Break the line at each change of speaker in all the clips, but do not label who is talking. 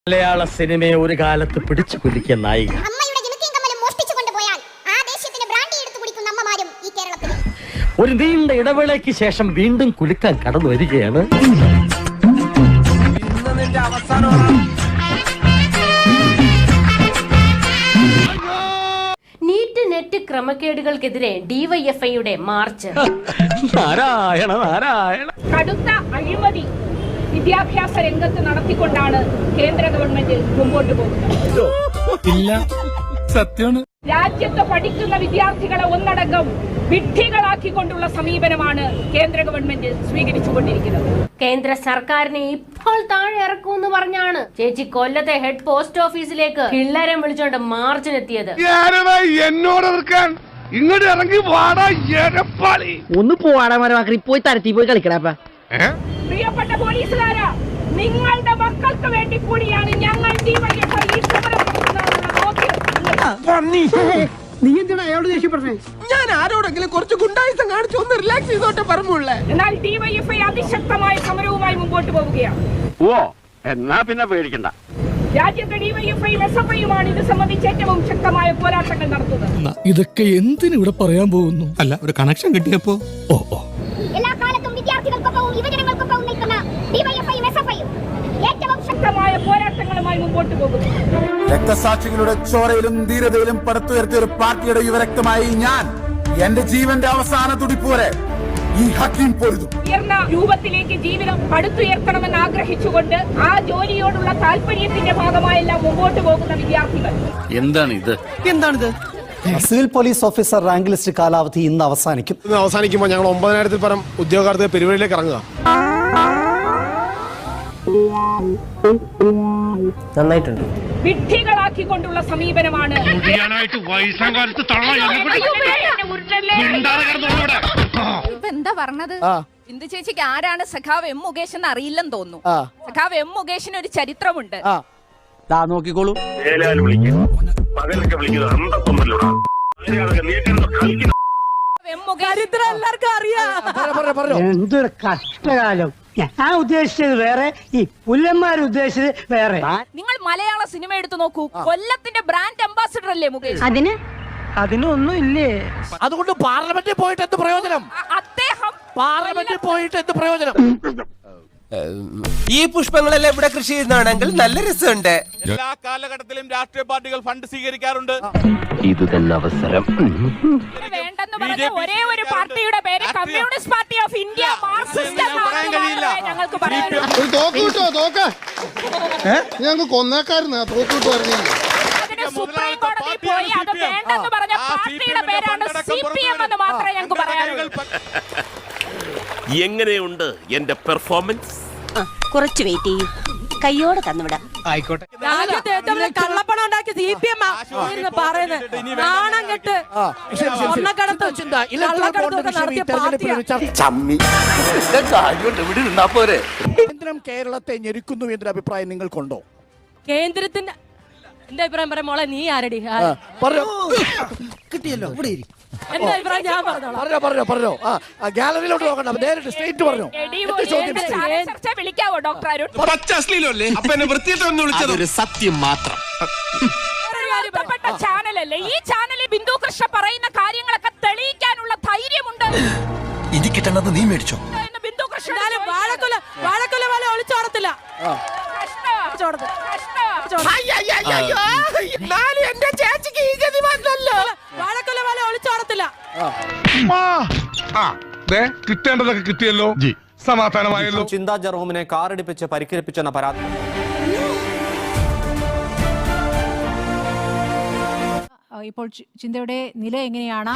മലയാള സിനിമയെ ഒരു കാലത്ത് പിടിച്ചു കുലിക്കിയ നായിക. ഒരു നീണ്ട ഇടവേളയ്ക്ക് ശേഷം വീണ്ടും കുലുക്കാൻ കടന്നു വരികയാണ്.
നീറ്റ് നെറ്റ് ക്രമക്കേടുകൾക്കെതിരെ ഡിവൈഎഫ്ഐയുടെ മാർച്ച്.
നാരായണ നാരായണ.
കടുത്ത അഴിമതി വിദ്യാഭ്യാസ രംഗത്ത് നടത്തിക്കൊണ്ടാണ് കേന്ദ്ര ഗവൺമെന്റ് മുമ്പോട്ട് പോകുന്നത്. രാജ്യത്ത് പഠിക്കുന്ന വിദ്യാർത്ഥികളെ ഒന്നടങ്കം വിഡ്ഢികളാക്കിക്കൊണ്ടുള്ള സമീപനമാണ് കേന്ദ്ര ഗവൺമെന്റ് സ്വീകരിച്ചുകൊണ്ടിരിക്കുന്നത്.
കേന്ദ്ര സർക്കാരിനെ ഇപ്പോൾ താഴെ ഇറക്കുമെന്ന് പറഞ്ഞാണ് ചേച്ചി കൊല്ലത്തെ ഹെഡ് പോസ്റ്റ് ഓഫീസിലേക്ക് പിള്ളേരെ വിളിച്ചോണ്ട് മാർച്ചിനെത്തിയത്.
എന്നോട് ഇങ്ങോട്ട് ഇറങ്ങി വാടാ എരപ്പാളി.
ഒന്ന് പോവാടാ മരമാക്കി പോയി തരത്തി പോയി കളിക്കടാ.
പ്രിയപ്പെട്ട പോലീസുകാരാ, നിങ്ങളുടെ മക്കൾക്ക് വേണ്ടി കൂടിയാണ് ഞങ്ങൾ
നീ എന്തിനാ അയാളോട് ദേഷ്യപ്പെടുന്നേ? ഞാൻ ആരോടെങ്കിലും കുറച്ച് ഗുണ്ടായിസം കാണിച്ചു ഒന്ന് റിലാക്സ് ചെയ്തോട്ടെ പറഞ്ഞുള്ളേ.
എന്നാൽ ഡിവൈഎഫ്ഐ അതിശക്തമായ സമരവുമായി മുമ്പോട്ട് പോവുകയാണ്.
ഓ എന്നാ പിന്നെ പേടിക്കണ്ട.
രാജ്യത്തെ ഡിവൈഎഫ്ഐയും എസ്എഫ്ഐയുമാണ് ഇത് സംബന്ധിച്ച് ഏറ്റവും ശക്തമായ പോരാട്ടങ്ങൾ നടത്തുന്നത്.
ഇതൊക്കെ എന്തിനു ഇവിടെ പറയാൻ പോകുന്നു? അല്ല, ഒരു കണക്ഷൻ കിട്ടിയപ്പോ
എല്ലാ കാലത്തും വിദ്യാർത്ഥികൾക്കൊപ്പവും യുവജനങ്ങൾക്കൊപ്പവും നിൽക്കുന്ന ഡിവൈഎഫ്ഐയും എസ്എഫ്ഐയും ഏറ്റവും ശക്തമായ പോരാട്ടങ്ങളുമായി മുമ്പോട്ട് പോകുന്നു.
രക്തസാക്ഷികളുടെ ചോരയിലും ധീരതയിലും പടുത്തുയർത്തിയ ഒരു പാർട്ടിയുടെ യുവരക്തമായി ഞാൻ എന്റെ ജീവന്റെ അവസാന തുടിപ്പ് വരെ ഈ ഹക്കീം പൊരുതും.
ഉയർന്ന രൂപത്തിലേക്ക് ജീവിതം പടുത്തുയർത്തണമെന്ന് ആഗ്രഹിച്ചുകൊണ്ട് ആ ജോലിയോടുള്ള താല്പര്യത്തിന്റെ ഭാഗമായെല്ലാം മുമ്പോട്ട് പോകുന്ന വിദ്യാർത്ഥികൾ.
എന്താണിത്? Civil police officer rank list കാലാവധി ഇന്ന് അവസാനിക്കും.
അവസാനിക്കുമ്പോൾ ഞങ്ങൾ 9000-ൽ പരം ഉദ്യോഗാർത്ഥികൾ പെരുവഴിയിലേക്ക് ഇറങ്ങുക.
നന്നായിട്ടുണ്ട്.
വിഡ്ഢികളാക്കിക്കൊണ്ടുള്ള സമീപനമാണ്.
എന്താ പറഞ്ഞത്? ഇന്ദു ചേച്ചിക്ക് ആരാണ് സഖാവ് എം മുകേഷ് എന്ന് അറിയില്ലെന്ന് തോന്നുന്നു. സഖാവ് എം മുകേഷിന് ഒരു ചരിത്രമുണ്ട്.
നോക്കിക്കോളൂ.
എന്തൊരു കഷ്ടകാലം. ഞാൻ ഉദ്ദേശിച്ചത് വേറെ, ഈ പുല്ലന്മാർ ഉദ്ദേശിച്ചത് വേറെ.
നിങ്ങൾ മലയാള സിനിമ എടുത്തു നോക്കൂ. കൊല്ലത്തിന്റെ ബ്രാൻഡ് അംബാസിഡർ അല്ലേ മുകേഷ്?
അതിനൊന്നും ഇല്ലേ?
അതുകൊണ്ട് പാർലമെന്റിൽ പോയിട്ട് എന്ത് പ്രയോജനം?
അദ്ദേഹം
പാർലമെന്റിൽ പോയിട്ട് എന്ത് പ്രയോജനം?
ഈ പുഷ്പങ്ങളെല്ലാം ഇവിടെ കൃഷി ചെയ്യുന്നതാണെങ്കിൽ നല്ല രസമുണ്ട്.
എല്ലാ കാലഘട്ടത്തിലും രാഷ്ട്രീയ പാർട്ടികൾ ഫണ്ട് സ്വീകരിക്കാറുണ്ട്.
ഇത് തന്നെ അവസരം.
വേണ്ടെന്ന് പറഞ്ഞ ഒരേ ഒരു പാർട്ടിയുടെ പേര് communist party of India marxist ഞങ്ങൾക്ക്
ഞങ്ങൾക്ക് കൊന്നേക്കാരുന്ന തോക്കിട്ട് പറഞ്ഞു.
സുപ്രീം കോടതി പോയി അത് വേണ്ടെന്ന് പറഞ്ഞ പാർട്ടിയുടെ പേരാണ് സിപിഎം എന്ന് മാത്രമേ ഞങ്ങൾക്ക് പറയാനുള്ളൂ.
എങ്ങനെയുണ്ട് എന്റെ പെർഫോമൻസ്?
കുറച്ച് വെയിറ്റ് ചെയ്യും, കയ്യോടെ തന്നുവിടാം.
ആയിക്കോട്ടെ.
കള്ളപ്പണം ഉണ്ടാക്കി സിപിഎം
കേന്ദ്രം കേരളത്തെ ഞെരുക്കുന്നു എന്നൊരു അഭിപ്രായം നിങ്ങൾക്കുണ്ടോ?
കേന്ദ്രത്തിന്റെ എന്റെ അഭിപ്രായം പറയാം മോളെ. നീ ആരടി?
കിട്ടിയല്ലോ.
എന്റെ അഭിപ്രായം ഞാൻ
പറഞ്ഞോ. ഗാലറിയിലോട്ട് നോക്കണ്ട, നേരിട്ട് സ്ട്രേറ്റ് പറഞ്ഞോ.
വിളിക്കാവോ ഡോക്ടർ അരുൺ?
അതൊരു സത്യം മാത്രം.
ചാനലല്ലേ ഈ ചാനലിൽ ബിന്ദു കൃഷ്ണ പറയുന്ന കാര്യങ്ങളൊക്കെ തെളിയിക്കാനുള്ള ധൈര്യമുണ്ട്.
ഇത് കിട്ടണത് നീ മേടിച്ചോ?
ബിന്ദു കൃഷ്ണ വാഴക്കൊല പോലെ ഒളിച്ചോടത്തില്ല. എന്റെ ചേച്ചിക്ക് ഈ ഗതി വന്നല്ലോ. വാഴക്കൊല പോലെ ഒളിച്ചോടത്തില്ല.
കിട്ടേണ്ടതൊക്കെ കിട്ടിയല്ലോ, സമാധാനമായല്ലോ.
ചിന്താ ജെറോമിനെ കാറിടിപ്പിച്ച് പരിക്കേൽപ്പിച്ചെന്ന പരാതി.
ഇപ്പോൾ ചിന്തയുടെ നില എങ്ങനെയാണ്?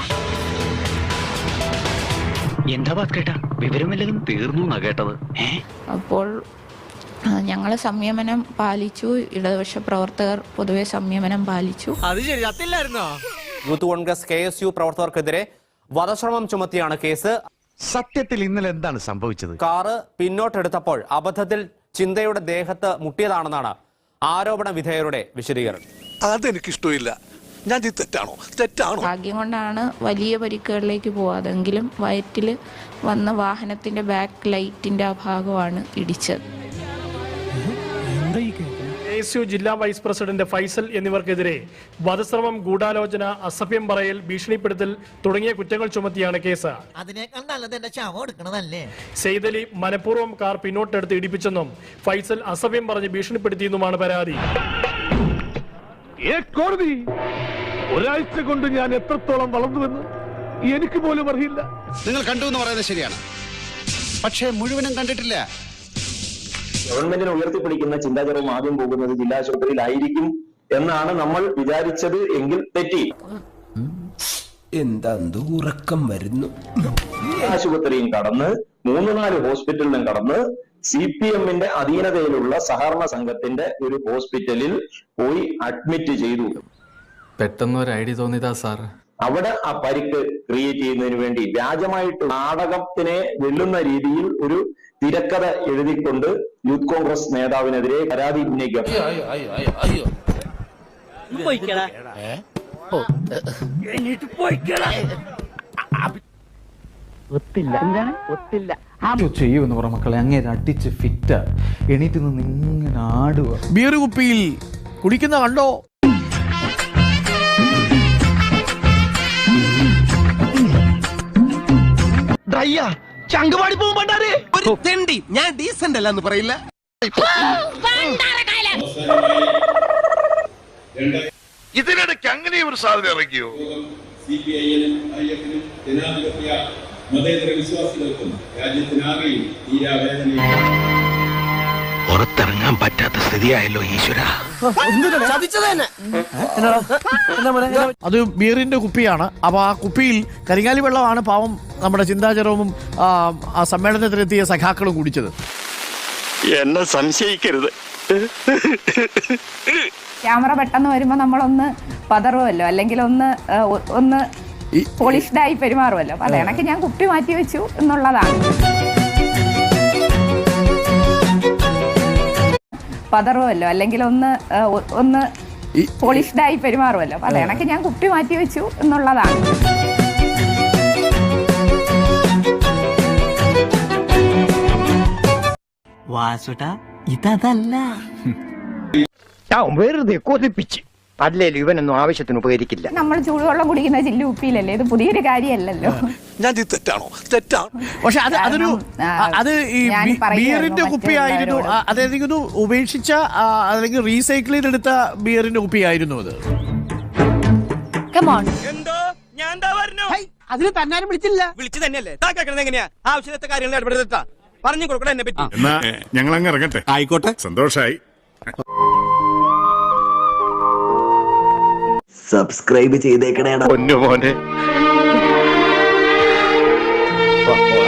എന്താ കേട്ടാ വിവരമില്ലെങ്കിലും തീർന്നു കേട്ടത്.
അപ്പോൾ ഞങ്ങൾ സംയമനം പാലിച്ചു. ഇടതുപക്ഷ പ്രവർത്തകർ പൊതുവെ സംയമനം പാലിച്ചു.
അത് ശരി, അത്തില്ലായിരുന്നോ? യൂത്ത് കോൺഗ്രസ് KSU പ്രവർത്തകർക്കെതിരെ വധശ്രമം ചുമത്തിയാണ് കേസ്.
സത്യത്തിൽ ഇന്നലെ എന്താണ് സംഭവിച്ചത്?
കാറ് പിന്നോട്ടെടുത്തപ്പോൾ അബദ്ധത്തിൽ ചിന്തയുടെ ദേഹത്ത് മുട്ടിയതാണെന്നാണ് ആരോപണ വിധേയരുടെ വിശദീകരണം.
അതെനിക്കിഷ്ടമില്ല. ഞാൻ തെറ്റാണോ?
ഭാഗ്യം കൊണ്ടാണ് വലിയ പരിക്കുകളിലേക്ക് പോവാതെങ്കിലും വയറ്റിൽ വന്ന വാഹനത്തിന്റെ ബാക്ക് ലൈറ്റിന്റെ ആ ഭാഗമാണ് ഇടിച്ചത്.
KSU ജില്ലാ വൈസ് പ്രസിഡന്റ് ഫൈസൽ എന്നിവർക്കെതിരെ വധശ്രമം, ഗൂഢാലോചന, അസഭ്യം പറയൽ, ഭീഷണിപ്പെടുത്തൽ തുടങ്ങിയ കുറ്റങ്ങൾ ചുമത്തിയാണ് കേസ്. സെയ്തലി മനഃപൂർവ്വം കാർ പിന്നോട്ടെടുത്ത് ഇടിപ്പിച്ചെന്നും ഫൈസൽ അസഭ്യം പറഞ്ഞ് ഭീഷണിപ്പെടുത്തിയെന്നുമാണ് പരാതി.
കോടതി ഒരാഴ്ച കൊണ്ട് ഞാൻ എത്രത്തോളം വളർന്നുവെന്ന് എനിക്ക് പോലും അറിയില്ല.
നിങ്ങൾ കണ്ടു എന്ന് പറയുന്നത് ശരിയാണ്, പക്ഷേ മുഴുവനും കണ്ടിട്ടില്ല.
ഗവൺമെന്റിനെ ഉയർത്തിപ്പിടിക്കുന്ന ചിന്താചരവും ആദ്യം പോകുന്നത് ജില്ലാ ആശുപത്രിയിലായിരിക്കും എന്നാണ് നമ്മൾ വിചാരിച്ചത് എങ്കിൽ തെറ്റി.
എന്താ ഉറക്കം വരുന്നു.
ആശുപത്രിയും കടന്ന് 3-4 ഹോസ്പിറ്റലിലും കടന്ന് CPM-ന്റെ അധീനതയിലുള്ള സഹകരണ സംഘത്തിന്റെ ഒരു ഹോസ്പിറ്റലിൽ പോയി അഡ്മിറ്റ് ചെയ്തു.
പെട്ടെന്ന് ഒരു ഐഡിയ തോന്നിയതാ സാർ.
അവിടെ ആ പരിക്ക് ക്രിയേറ്റ് ചെയ്യുന്നതിന് വേണ്ടി വ്യാജമായിട്ട് നാടകത്തിനെ വെല്ലുന്ന രീതിയിൽ ഒരു തിരക്കഥ എഴുതിക്കൊണ്ട് യൂത്ത് കോൺഗ്രസ് നേതാവിനെതിരെ പരാതി ഉന്നയിക്കാം.
ചെയ്യുമെന്ന് പറ മക്കളെ, അങ്ങേര് അടിച്ച് ഫിറ്റ എണീറ്റ് നിന്ന് ഇങ്ങനെ ആടുക.
ബിയർ കുപ്പിയിൽ കുടിക്കുന്ന കണ്ടോ?
ചങ്കുപാടി പോകുമ്പോണ്ടാരേ ഒരു തെണ്ടി. ഞാൻ ഡീസന്റ് അല്ലെന്ന് പറയില്ല. ഇതിനിടയ്ക്ക് അങ്ങനെ ഒരു സാധ്യത ഇറക്കിയോ? പുറത്തിറങ്ങാൻ പറ്റാത്ത സ്ഥിതിയായല്ലോ ഈശ്വര.
അത് ബിയറിന്റെ കുപ്പിയാണ്. അപ്പൊ ആ കുപ്പിയിൽ കരിങ്ങാലി വെള്ളമാണ് പാവം നമ്മുടെ ചിന്താചരവും ആ സമ്മേളനത്തിലെത്തിയ സഖാക്കളും കുടിച്ചത്.
എന്നെ സംശയിക്കരുത്.
ക്യാമറ പെട്ടെന്ന് വരുമ്പോ നമ്മളൊന്ന് പതറുമല്ലോ, അല്ലെങ്കിൽ ഒന്ന് പോളിഷ്ഡായി പെരുമാറുമല്ലോ. അപ്പൊ അതേണക്ക് ഞാൻ കുപ്പി മാറ്റി വെച്ചു എന്നുള്ളതാണ്. പതറുമല്ലോ, അല്ലെങ്കിൽ ഒന്ന് പോളിഷ്ഡായി പെരുമാറുമല്ലോ. അപ്പൊ അതേണക്ക് ഞാൻ കുപ്പി മാറ്റി വെച്ചു എന്നുള്ളതാണ്.
വാസുട്ട ഇതല്ല.
വെറുതെ കൊതിപ്പിച്ച് അല്ലേലും ഇവനൊന്നും ആവശ്യത്തിന് ഉപകരിക്കില്ല.
നമ്മൾ ചൂടുവെള്ളം കുടിക്കുന്ന ചില്ലു കുപ്പിയിലല്ലേ, ഇത് പുതിയൊരു കാര്യമല്ലല്ലോ.
ഞാൻ തെറ്റാണോ? തെറ്റാണ്. പക്ഷെ അത് ഈ ബിയറിന്റെ കുപ്പിയായിരുന്നു. അതായത് ഉപേക്ഷിച്ച അല്ലെങ്കിൽ റീസൈക്കിൾ ചെയ്തെടുത്ത ബിയറിന്റെ കുപ്പിയായിരുന്നു അത്.
അതിന് തന്നാരും വിളിച്ചില്ല.
വിളിച്ചു തന്നെയല്ലേ എങ്ങനെയാ ആവശ്യത്തെ കാര്യങ്ങൾ ഇടപെടുത്താ പറഞ്ഞു കൊടുക്കണം എന്നെ പറ്റി.
ഞങ്ങൾ അങ്ങ് ഇറങ്ങട്ടെ.
ആയിക്കോട്ടെ,
സന്തോഷായി.
സബ്സ്ക്രൈബ് ചെയ്തേക്കണേടാ.
പൊന്നു മോനെ.